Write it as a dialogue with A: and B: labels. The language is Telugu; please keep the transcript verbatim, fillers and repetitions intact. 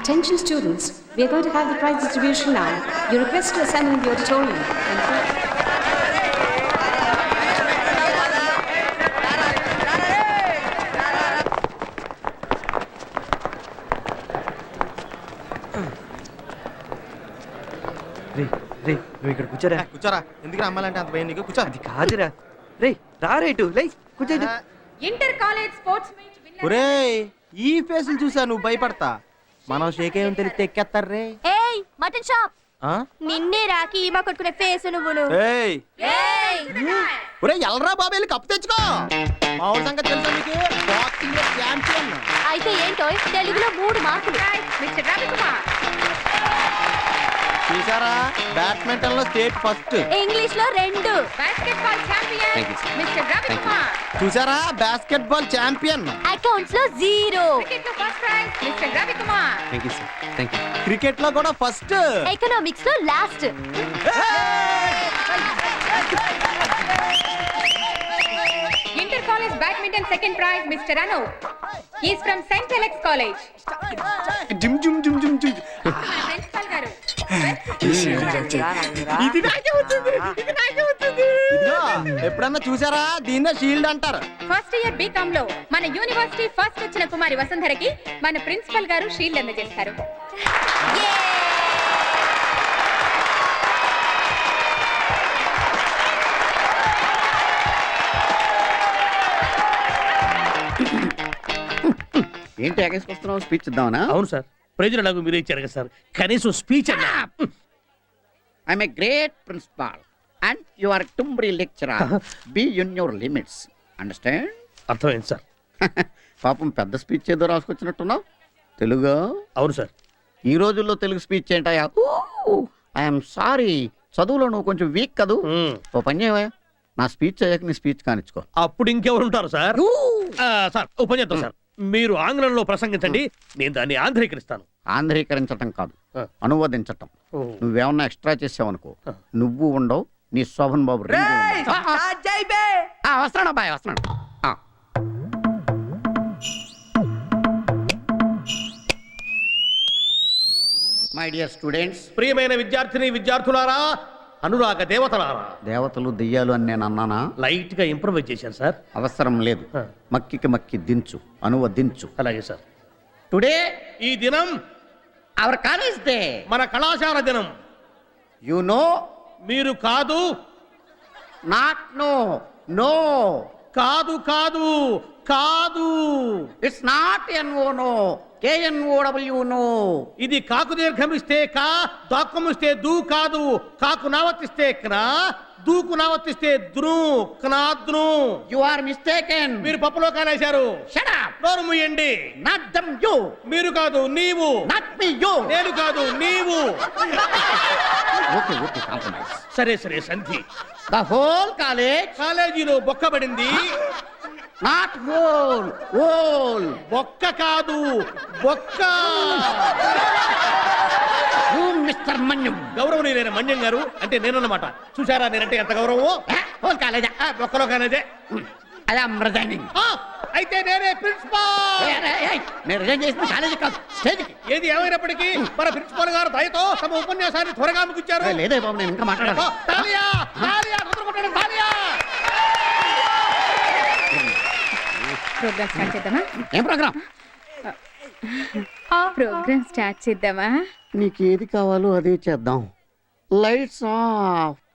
A: Attention students, we are going to have the prize distribution now. You're requested to assemble in the auditorium. Thank you.
B: రే రే నువ్వు ఇక్కడ కూర్చోరా
C: కూర్చోరా. ఎందుకు అమ్మాలంటే అంత భయం నీకు? కూర్చో.
B: అది కాదురా. రే రా రేటు లై కూర్చో.
A: Inter college sports meet winner.
C: ఒరేయ్ ఈ ఫేసులు చూసా నువ్వు భయపడతా. మనం షేక్ ఏం తెలిస్తే ఎక్కేస్తారు రే.
D: ఏయ్ మటన్ షాప్
C: ఆ?
D: నిన్నే రాకి ఈమా కొట్టుకునే ఫేస్ నువ్వును.
C: ఏయ్ ఒరేయ్ ఎల్రా బాబు వెళ్ళి కప్పు తెచ్చుకో. మా ఊరి సంగతి తెలుసా మీకు? బాక్సింగ్ లో ఛాంపియన్.
D: అయితే ఏంటో తెలుగులో మూడు మార్కులు.
A: మిస్టర్ రవికుమార్.
C: చూసారా బ్యాడ్మింటన్ లో స్టేట్ ఫస్ట్.
D: ఇంగ్లీష్ లో రెండు.
A: Basketball champion mister Ravikumar.
C: చూసారా బాస్కెట్ బాల్ ఛాంపియన్.
D: అకౌంట్స్ లో జీరో.
A: క్రికెట్ లో first prize mister Ravikumar.
B: Thank you sir. Thank you.
C: Cricket లో కూడా ఫస్ట్.
D: ఎకనామిక్స్ లో last.
A: Inter college badminton second prize mister Anu. He is from Saint Alex College.
C: Gym gym gym gym gym.
A: Principal గారు.
C: ఇది నాకే వచ్చింది. ఇది నాకే వచ్చింది. ఇదిగో ఎప్పుడన్నా చూసారా దీన్నే షీల్డ్ అంటారు.
A: ఫస్ట్ ఇయర్ బీకామ్ లో మన యూనివర్సిటీ ఫస్ట్ వచ్చిన కుమారి వసుంధరకి మన ప్రిన్సిపల్ గారు షీల్డ్ అందజేస్తారు.
E: ఏంటి ఎగేసుకొస్తున్నావు? స్పీచ్ ఇద్దామనా?
F: అవును సార్, ప్రజలు నాకు మీరే ఇచ్చారు కదా సార్, కనీసం స్పీచ్ అన్నా.
E: I'm a great principal and you are టుంబ్రీ lecturer. Be in your limits. Understand?
F: అర్థమైంది సార్.
E: పాపం పెద్ద స్పీచ్ ఏదో రాసుకొచ్చినట్టున్నావు. తెలుగు?
F: అవును సార్.
E: ఈ రోజుల్లో తెలుగు స్పీచ్ ఏంటయ్యా? ఐఎమ్ సారీ, చదువులో నువ్వు కొంచెం వీక్ కదూ. ఓ పని చేయవా, నా స్పీచ్ అయ్యాక నీ స్పీచ్ కానిచ్చుకో.
F: అప్పుడు ఇంకెవరు ఉంటారు సార్? సార్ ఓ పని చేద్దాం సార్, మీరు ఆంగ్లంలో ప్రసంగించండి, నేను దాన్ని ఆంధ్రీకరిస్తాను.
E: ఆంధ్రీకరించటం కాదు,
F: ఆ.
E: అనువదించటం.
F: ఓ.
E: నువ్వేమన్నా ఎక్స్ట్రా చేసావనుకో, నువ్వు ఉండవు, నీ శోభన్ బాబు వస్తున్నాడు అబ్బాయి, వస్తున్నాడు. మై డియర్ స్టూడెంట్స్,
F: ప్రియమైన విద్యార్థిని విద్యార్థులారా, అనురాగ దేవతలారా.
E: దేవతలు దెయ్యాలు అని నేను అన్నానా?
F: లైట్ గా ఇంప్రూవైజ్ చేశాను సార్.
E: అవసరం లేదు,
F: ఆ.
E: మక్కికి మక్కి దించు, అనువదించు.
F: అలాగే సార్.
E: టుడే
F: ఈ దినం
E: అవర్ కాలేజ్ డే.
F: మన కళాశాల దినం.
E: You know?
F: మీరు కాదు.
E: Not no, no.
F: కాదు కాదు కాదు.
E: It's not N O no, K N O W know.
F: ఇది కాకు దీర్ఘమిస్తే కా, దాక్కుమిస్తే దూ కాదు. కాకు నావర్తిస్తే క్నా, దూకు నావర్తిస్తే ద్రు, క్నాద్రు.
E: You are mistaken.
F: మీరు పప్పులో కానేశారు.
E: Shut up.
F: నోరు మూయండి.
E: Not dum you.
F: మీరు కాదు నీవు.
E: Not me you.
F: నేను కాదు నీవు.
E: Okay okay, compromise.
F: సరే సరే సంధి.
E: The whole college.
F: కాలేజీలో బొక్కబడింది.
E: Not whole, hole.
F: బొక్క కాదు బొక్క.
E: You mister Manyam.
F: గౌరవనీయులైన మన్యం గారు అంటే నేనన్నమాట. చూసారా నేనంటే ఎంత గౌరవమో.
E: హోల్ కాలేజా?
F: బొక్కలో కానేదే.
E: అదే రిజైనింగ్.
F: అయితే నేనే ప్రిన్సిపాల్.
E: నేను రిజైన్ చేసిన కాలేజీ కాదు, స్టేజ్కి.
F: ఏది ఏమైనప్పటికీ మన ప్రిన్సిపాల్ గారు దయతో తమ ఉపన్యాసాన్ని త్వరగా ముగించారు.
E: లేదే బాబు, నేను ఇంకా మాట్లాడాలి.
F: తాలియా, తాలియా, తొందర కొట్టండి, తాలియా.
A: ప్రోగ్రామ్ స్టార్ట్ చేద్దామా?
E: ఏం ప్రోగ్రామ్?
A: ప్రోగ్రామ్ స్టార్ట్ చేద్దామా?
E: నీకు ఏది కావాలో అదే చేద్దాం. Lights of.